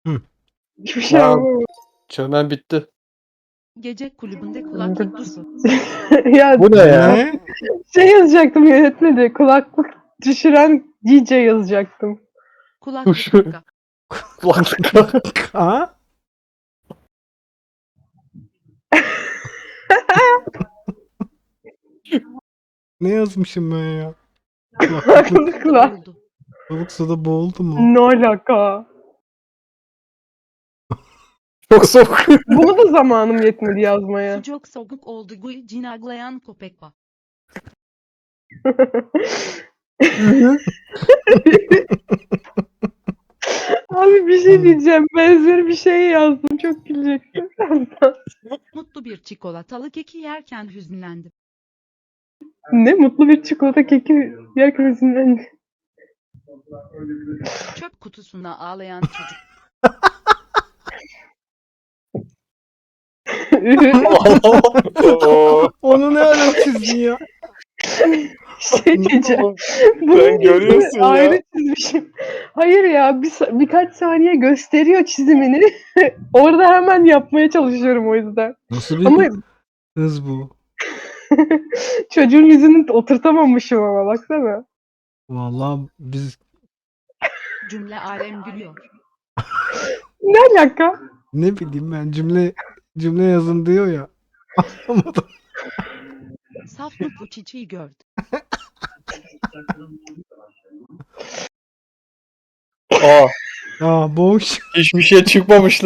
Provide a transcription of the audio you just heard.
Hı. Hiçbir şey Aa. anlamadım. Çömen bitti. Gece kulübünde kulaklık dusu. Ya Bu ne ya? Ne? şey yazacaktım yönetmedi. Kulaklık düşüren DJ yazacaktım. Kulaklık Duş. kaka. Kulaklık. Ha? Ne yazmışım ben ya? Kulaklık. Kulaklıkla. Buldu. Balık suda boğuldu mu? Ne alaka? Çok soğuk. Bunu da zamanım yetmedi yazmaya. Çok soğuk oldu bu cinaglayan köpek var. Abi bir şey diyeceğim. Benzeri bir şey yazdım. Çok güleceksin. Mutlu bir çikolatalı keki yerken hüzünlendim. Ne mutlu bir çikolata keki yerken hüzünlendi. Çöp kutusuna ağlayan çocuk. Onu ne ara çizdin ya? Şey diyeceğim. Sen görüyorsun ya. Ayrı çizmişim. Hayır ya birkaç saniye gösteriyor çizimini. Orada hemen yapmaya çalışıyorum o yüzden. Nasıl bir Ama hız bu? çocuğun yüzünü oturtamamışım ama baksana. Vallahi biz Cümle alem gülüyor. Ne alaka? ne bileyim ben cümle yazın diyor ya. Anlamadım. Saf mutlu çiçeği gördü. Aa, Ya boş. hiçbir şey çıkmamış.